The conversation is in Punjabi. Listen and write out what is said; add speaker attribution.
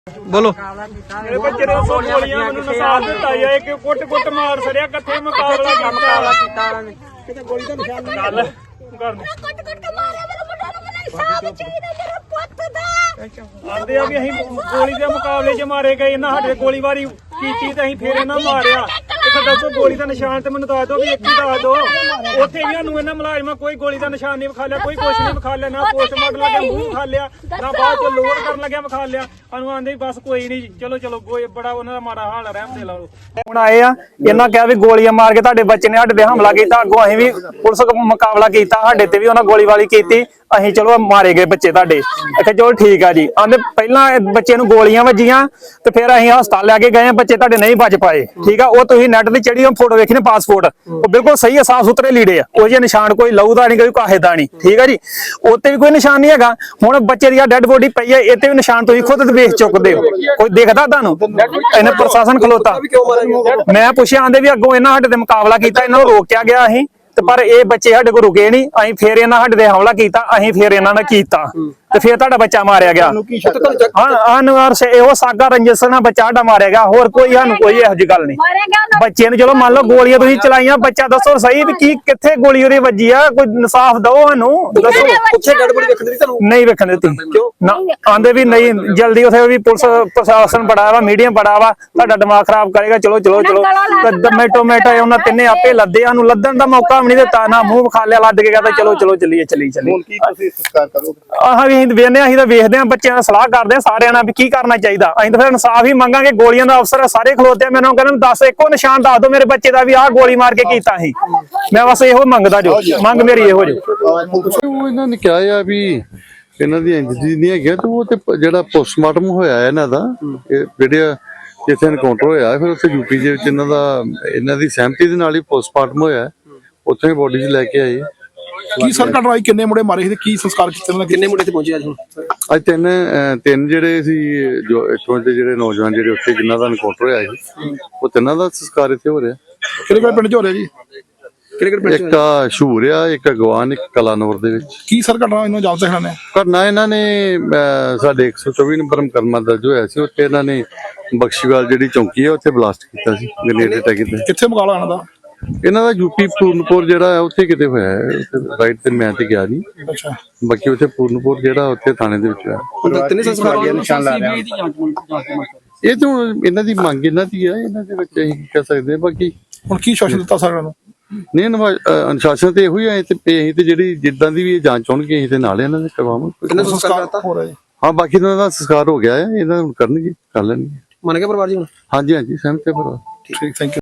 Speaker 1: ਬੋਲੋ।
Speaker 2: ਮੇਰੇ ਬੱਚੇ ਨੇ ਗੋਲੀਆਂ ਮੈਨੂੰ ਨਸਾਰ ਦਿੱਤਾ ਜਾਂ ਇੱਕ ਕੁੱਟ ਮਾਰ ਸੜਿਆ ਕਿੱਥੇ ਮੁਕਾਬਲਾ ਕੀਤਾ ਕਿਤੇ ਗੋਲੀ ਦਾ ਨਿਸ਼ਾਨ ਨਹੀਂ ਗੱਲ ਕਰ ਕੁੱਟ ਕੇ ਮਾਰਿਆ ਮੇਰੇ ਮੁੰਡੇ ਨੂੰ ਮੈਨੂੰ ਇਨਸਾਫ ਚਾਹੀਦਾ ਮੇਰੇ ਪੁੱਤ ਦਾ ਆਂਦੇ ਆ ਵੀ ਅਸੀਂ ਗੋਲੀ ਦੇ ਮੁਕਾਬਲੇ 'ਚ ਮਾਰੇ ਗਏ ਇਹਨਾਂ ਸਾਡੇ ਗੋਲੀਬਾਰੀ ਕੀਤੀ ਤੇ ਅਸੀਂ ਫੇਰ ਇਹਨਾਂ ਮਾਰਿਆ ਇੱਥੇ ਦੱਸੋ ਗੋਲੀ ਦਾ ਨਿਸ਼ਾਨ ਤੇ ਮੈਨੂੰ ਦੱਸ ਦਿਓ ਵੀ ਇੱਕ ਹੀ ਦੱਸ ਦਿਓ ਉੱਥੇ ਵੀ ਸਾਨੂੰ ਇਹਨਾਂ ਮੁਲਾਜ਼ਮਾਂ ਕੋਈ ਗੋਲੀ ਦਾ ਨਿਸ਼ਾਨ ਨਹੀਂ ਵਿਖਾ ਲਿਆ ਕੋਈ ਕੁਛ ਨਹੀਂ ਵਿਖਾ ਲਿਆ ਨਾ ਪੋਸਟਮਾਰਟਮ ਲੱਗਿਆ ਮੂੰਹ ਵਿਖਾ ਲਿਆ ਨਾ ਬਾਅਦ ਚ ਲੋਡ ਕਰਨ ਲੱਗਿਆ ਵਿਖਾ ਲਿਆ ਸਾਨੂੰ ਆਂਦੇ ਬਸ ਕੋਈ ਨਹੀਂ ਚਲੋ ਕੋਈ ਬੜਾ ਉਹਨਾਂ ਦਾ ਮਾੜਾ ਹਾਲ ਰਹਿਮ ਦੇ ਲਾਓ ਹੁਣ ਆਏ ਆ ਇਹਨਾਂ ਕਿਹਾ ਵੀ ਗੋਲੀਆਂ ਮਾਰ ਕੇ ਤੁਹਾਡੇ ਬੱਚੇ ਨੇ ਸਾਡੇ ਤੇ ਹਮਲਾ ਕੀਤਾ ਅੱਗੋਂ ਅਸੀਂ ਵੀ ਪੁਲਿਸ ਮੁਕਾਬਲਾ ਕੀਤਾ ਸਾਡੇ ਤੇ ਵੀ ਉਹਨਾਂ ਗੋਲੀਬਾਰੀ ਕੀਤੀ ਅਸੀਂ ਚਲੋ ਮਾਰੇ ਗਏ ਬੱਚੇ ਤੁਹਾਡੇ ਇੱਥੇ ਚਲੋ ਠੀਕ ਆ ਜੀ ਆਂਦੇ ਪਹਿਲਾਂ ਬੱਚੇ ਨੂੰ ਗੋਲੀਆਂ ਵੱਜੀਆਂ ਤੇ ਫਿਰ ਅਸੀਂ ਹਸਪਤਾਲ ਲੈ ਕੇ ਗਏ ਬੱਚੇ ਤੁਹਾਡੇ ਨਹੀਂ ਬਚ ਪਾਏ ਠੀਕ ਆ ਉਹ ਤੁਸੀਂ ਨੈਟ ਤੇ ਚੜੀ ਫੋਟੋ ਵੇਖੀ ਨੇ ਪਾਸਪੋਰਟ ਉਹ ਬਿਲਕੁਲ ਸਹੀ ਆ ਸਾਫ ਸੁਥਰੇ ਲੀੜੇ ਆ ਉਹ ਜਿਹੇ ਨਿਸ਼ਾਨ ਕੋਈ ਲਹੂ ਦਾ ਨਹੀਂ ਕੋਈ ਕਾਹੇ ਦਾ ਨਹੀਂ ਠੀਕ ਆ ਜੀ ਉੱਤੇ ਵੀ ਕੋਈ ਨਿਸ਼ਾਨ ਨਹੀਂ ਹੈਗਾ ਹੁਣ ਬੱਚੇ ਦੀ ਡੈਡ ਬੋਡੀ ਪਈ ਹੈ ਇੱਥੇ ਵੀ ਨਿਸ਼ਾਨ ਤੁਸੀਂ ਖੁਦ ਵੇਖ ਚੁੱਕਦੇ ਹੋ ਕੋਈ ਦੇਖਦਾ ਤੁਹਾਨੂੰ ਇਹਨੇ ਪ੍ਰਸ਼ਾਸਨ ਖਲੋਤਾ ਮੈਂ ਪੁੱਛਿਆ ਆਂਦੇ ਵੀ ਅੱਗੋਂ ਇਹਨਾਂ ਸਾਡੇ ਤੇ ਮੁਕਾਬਲਾ ਕੀਤਾ ਇਹਨਾਂ ਨੂੰ ਰੋਕਿਆ ਗਿਆ ਅਸੀਂ ਪਰ ਇਹ ਬੱਚੇ ਸਾਡੇ ਕੋਲ ਰੁਕੇ ਨਹੀਂ ਅਸੀਂ ਫੇਰ ਇਹਨਾਂ ਸਾਡੇ ਤੇ ਹਮਲਾ ਕੀਤਾ ਅਸੀਂ ਫੇਰ ਇਹਨਾਂ ਨੇ ਕੀਤਾ ਤੇ ਫੇਰ ਤੁਹਾਡਾ ਬੱਚਾ ਮਾਰਿਆ ਗਿਆ ਇਹੋ ਸਾਗਾ ਰੰਜਿਸ਼ ਨਾਲ ਬੱਚਾ ਸਾਡਾ ਮਾਰਿਆ ਗਿਆ ਹੋਰ ਕੋਈ ਸਾਨੂੰ ਕੋਈ ਇਹੋ ਜਿਹੀ ਗੱਲ ਨਹੀਂ ਬੱਚੇ ਨੂੰ ਚਲੋ ਮੰਨ ਲਓ ਗੋਲੀਆਂ ਤੁਸੀਂ ਚਲਾਈਆਂ ਬੱਚਾ ਦੱਸੋ ਸਹੀ ਵੀ ਕੀ ਕਿੱਥੇ ਗੋਲੀ ਉਹਦੀ ਵੱਜੀ ਆ ਕੋਈ ਇਨਸਾਫ ਦਿਓ ਸਾਨੂੰ ਦੱਸੋ ਨਹੀਂ ਵੇਖਣ ਦਿੱਤੀ ਨਾ ਆਂਦੇ ਵੀ ਨਹੀਂ ਜਲਦੀ ਉਥੇ ਵੀ ਪੁਲਿਸ ਪ੍ਰਸ਼ਾਸਨ ਬੜਾ ਵਾ ਮੀਡੀਅਮ ਬੜਾ ਵਾ ਤੁਹਾਡਾ ਦਿਮਾਗ ਖਰਾਬ ਕਰੇਗਾ ਚਲੋ ਟੋਮੇਟੋ ਉਹਨਾਂ ਤਿੰਨੇ ਆਪੇ ਲੱਦੇ ਸਾਨੂੰ ਲੱਦਣ ਦਾ ਮੌਕਾ ਨਹੀਂ ਦਿੱਤਾ ਨਾ ਮੂੰਹ ਵਿਖਾ ਲਿਆ ਲੱਦ ਕੇ ਕਹਿੰਦਾ ਚਲੋ ਚੱਲੀ ਹੁਣ ਕੀ ਤੁਸੀਂ ਸੰਸਕਾਰ ਕਰੋਗੇ ਅਸੀਂ ਵੇਖਦੇ ਅਸੀਂ ਤਾਂ ਵੇਖਦੇ ਹਾਂ ਬੱਚਿਆਂ ਨਾਲ ਸਲਾਹ ਕਰਦੇ ਹਾਂ ਸਾਰਿਆਂ ਨਾਲ ਵੀ ਕੀ ਕਰਨਾ ਚਾਹੀਦਾ ਅਸੀਂ ਤਾਂ ਫਿਰ ਇਨਸਾਫ ਹੀ ਮੰਗਾਂਗੇ ਗੋਲੀਆਂ ਦਾ ਅਫਸਰ ਸਾਰੇ ਖਲੋਤੇ ਆ ਮੈਨੂੰ ਕਹਿੰਦੇ ਦੱਸ ਇੱਕੋ ਨਿਸ਼ਾਨ ਦੱਸ ਦਿਓ ਮੇਰੇ ਬੱਚੇ ਦਾ ਵੀ ਆਹ ਗੋਲੀ ਮਾਰ ਕੇ ਕੀਤਾ ਸੀ ਮੈਂ ਬਸ ਇਹੋ ਮੰਗਦਾ ਜੋ ਮੰਗ ਮੇਰੀ ਇਹੋ ਜੋ
Speaker 3: ਉਹ ਇਹਨਾਂ ਨੇ ਕਿਹਾ ਆ ਵੀ ਇਹਨਾਂ ਦੀ ਇੰਜਰੀ ਨਹੀਂ ਹੈਗੀ ਤੇ ਉਹ ਤੇ ਜਿਹੜਾ ਪੋਸਟਮਾਰਟਮ ਹੋਇਆ ਇਹਨਾਂ ਦਾ ਜਿਹੜੇ ਜਿੱਥੇ ਐਨਕਾਊਂਟਰ ਹੋਇਆ ਫਿਰ ਉੱਥੇ ਯੂਪੀ ਦੇ ਵਿੱਚ ਇਹਨਾਂ ਦੀ ਸਹਿਮਤੀ ਦੇ ਨਾਲ ਹੀ ਪੋਸਟਮਾਰਟਮ ਹੋਇਆ ਉੱਥੇ ਬੋਡੀ 'ਚ ਲੈ ਕੇ ਆਏ
Speaker 4: ਕੀ ਸਰ ਕਟਵਾਈ ਕਿੰਨੇ ਮੁੰਡੇ ਮਾਰੇ ਸੀ ਤੇ ਕੀ ਸੰਸਕਾਰ ਕੀਤੇ ਕਿੰਨੇ ਮੁੰਡੇ ਤੇ ਪਹੁੰਚੇ
Speaker 3: ਅੱਜ ਤਿੰਨ ਜਿਹੜੇ ਸੀ ਜੋ ਇੱਥੋਂ ਦੇ ਜਿਹੜੇ ਨੌਜਵਾਨ ਜਿਹੜੇ ਉੱਥੇ ਜਿਨ੍ਹਾਂ ਦਾ ਐਨਕਾਊਂਟਰ ਹੋਇਆ ਸੀ ਉਹ ਤਿੰਨਾਂ ਦਾ ਸੰਸਕਾਰ ਇੱਥੇ ਹੋ ਰਿਹਾ
Speaker 4: ਕਿਹੜੇ ਪਿੰਡ 'ਚ ਹੋ ਰਿਹਾ ਜੀ
Speaker 3: ਇੱਕ ਸ਼ੂਰ ਆ ਇੱਕ ਅਗਵਾਨ ਇੱਕ ਕਲਾਨੌਰ ਦੇ ਵਿੱਚ
Speaker 4: ਕੀ ਸਰ ਘਟਨਾ ਇਹਨੂੰ ਜਾਣਦੇ ਹਨ
Speaker 3: ਕਰਨਾ ਇਹਨਾਂ ਨੇ ਸਾਡੇ 124 ਨੰਬਰ ਮੁਕੱਦਮਾ ਦਰਜ ਹੋਇਆ ਸੀ ਉੱਥੇ ਇਹਨਾਂ ਨੇ ਬਖਸ਼ੀਵਾਲ ਜਿਹੜੀ ਚੌਂਕੀ ਹੈ ਉੱਥੇ ਬਲਾਸਟ ਕੀਤਾ ਸੀ ਗ੍ਰੇਨੇਡ ਅਟੈਕ ਕੀਤਾ
Speaker 4: ਕਿੱਥੇ ਮੁਕਾਬਲਾ
Speaker 3: ਇਹਨਾਂ ਦਾ ਯੂਪੀ ਪੂਰਨਪੁਰ ਜਿਹੜਾ ਹੈ ਉੱਥੇ ਕਿਤੇ ਹੋਇਆ ਹੈ ਰਾਈਟ ਤੇ ਮੈਂ ਤੇ ਗਿਆ ਨਹੀਂ
Speaker 4: ਅੱਛਾ
Speaker 3: ਬਾਕੀ ਉੱਥੇ ਪੂਰਨਪੁਰ ਜਿਹੜਾ ਉੱਥੇ ਥਾਣੇ ਦੇ ਵਿੱਚ ਹੈ ਇਹ ਤਾਂ ਇਹਨਾਂ ਦੀ ਮੰਗ ਇਹਨਾਂ ਦੀ ਹੈ ਇਹਨਾਂ ਦੇ ਵਿੱਚ ਅਸੀਂ ਕਹਿ ਸਕਦੇ ਬਾਕੀ
Speaker 4: ਹੁਣ ਕੀ ਸ਼ਾਸਨ ਦਿੱਤਾ ਸਾਰਿਆਂ ਨੂੰ
Speaker 3: ਨਹੀਂ ਅਨੁਸ਼ਾਸਨ ਤੇ ਇਹੋ ਹੀ ਆਏ ਤੇ ਅਸੀਂ ਤੇ ਜਿਹੜੀ ਜਿੱਦਾਂ ਦੀ ਵੀ ਜਾਂਚ ਹੋਣਗੇ ਅਸੀਂ ਤੇ ਨਾਲ ਇਹਨਾਂ ਦੇ ਕਰਵਾਵਾਂਗੇ ਹਾਂ ਬਾਕੀ ਇਹਨਾਂ ਦਾ ਸੰਸਕਾਰ ਹੋ ਗਿਆ ਹੈ ਇਹਨਾਂ ਨੂੰ ਕਰਨਗੇ ਕਰ ਲੈਣਗੇ
Speaker 1: ਮੰਨ ਗਿਆ ਪਰਿਵਾਰ ਜੀ
Speaker 3: ਹਾਂਜੀ ਸਹਿਮਤ ਹੈ ਪਰਿਵਾਰ
Speaker 4: ਠੀਕ ਥੈਂਕ ਯੂ